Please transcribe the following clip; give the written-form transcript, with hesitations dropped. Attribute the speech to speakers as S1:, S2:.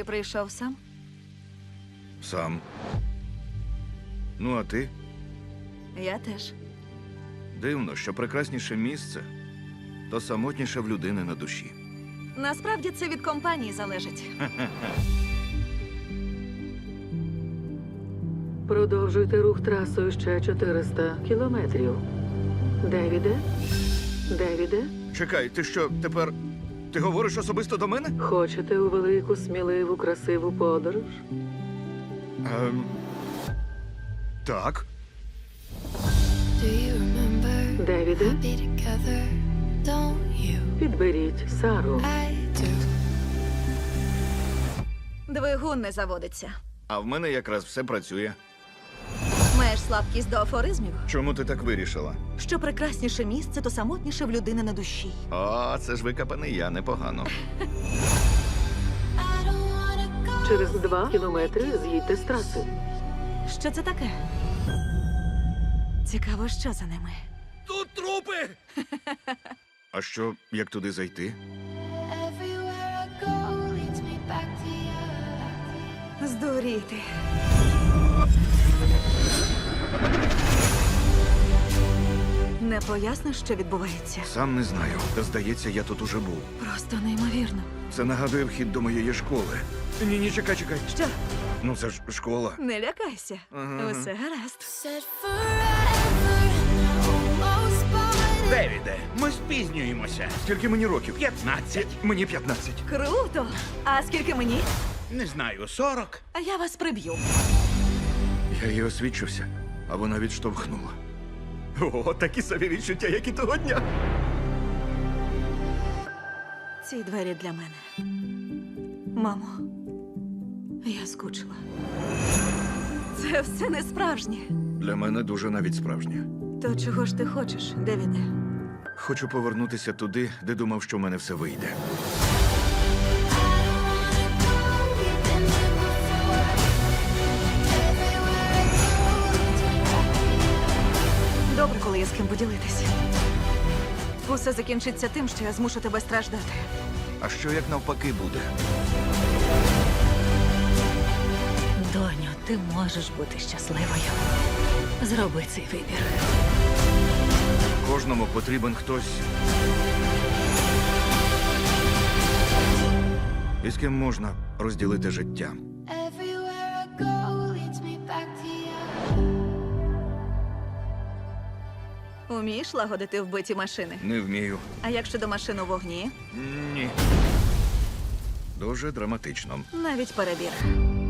S1: прийшов сам?
S2: Сам. Ну, а ти?
S1: Я теж.
S2: Дивно, що прекрасніше місце, то самотніше в людини на душі.
S1: Насправді це від компанії залежить.
S3: Продовжуйте рух трасою ще 400 кілометрів. Девіде? Девіде?
S2: Чекай, ти що, тепер... Ти говориш особисто до мене?
S3: Хочете у велику, сміливу, красиву подорож?
S2: Так.
S4: Do you remember
S3: Девіде,
S4: be together? Don't you?
S3: підберіть Сару.
S4: I do.
S1: Двигун не заводиться.
S2: А в мене якраз все працює.
S1: Маєш слабкість до афоризмів?
S2: Чому ти так вирішила?
S1: Що прекрасніше місце, то самотніше в людини на душі.
S2: О, це ж викопаний я, непогано.
S4: I don't wanna go.
S3: Через 2 кілометри з'їдьте з траси.
S1: Що це таке? Цікаво, що за ними.
S2: Тут трупи! А що, як туди зайти?
S4: Everywhere I go leads me back to you.
S1: Здуріти. Не поясниш, що відбувається?
S2: Сам не знаю. Та здається, я тут уже був.
S1: Просто неймовірно.
S2: Це нагадує вхід до моєї школи. Ні, чекай.
S1: Що?
S2: Ну це ж школа.
S1: Не лякайся.
S2: Ага.
S1: Усе гаразд.
S4: Said forever and I almost bought it.
S5: Девіде, ми спізнюємося.
S2: Скільки мені років?
S5: 15.
S2: Мені 15.
S1: Круто! А скільки мені?
S5: Не знаю, 40.
S1: А я вас приб'ю.
S2: Я її освідчився, а вона відштовхнула. О, такі собі відчуття, як і того дня.
S1: Ці двері для мене. Мамо, я скучила. Це все не справжнє.
S2: Для мене дуже навіть справжнє.
S1: То чого ж ти хочеш, Девіде?
S2: Хочу повернутися туди, де думав, що в мене все вийде.
S4: We've been there before. Everywhere I go leads me back to you.
S1: Добре, коли є з ким поділитися. Усе закінчиться тим, що я змушу тебе страждати.
S2: А що як навпаки буде?
S1: Доню, ти можеш бути щасливою. Зроби цей вибір.
S2: Кожному потрібен хтось. І з ким можна розділити життя.
S4: Everywhere I go leads me back to you.
S1: Умієш лагодити вбиті машини?
S2: Не вмію.
S1: А як щодо машин у вогні?
S2: Ні. Дуже драматично.
S1: Навіть перебір.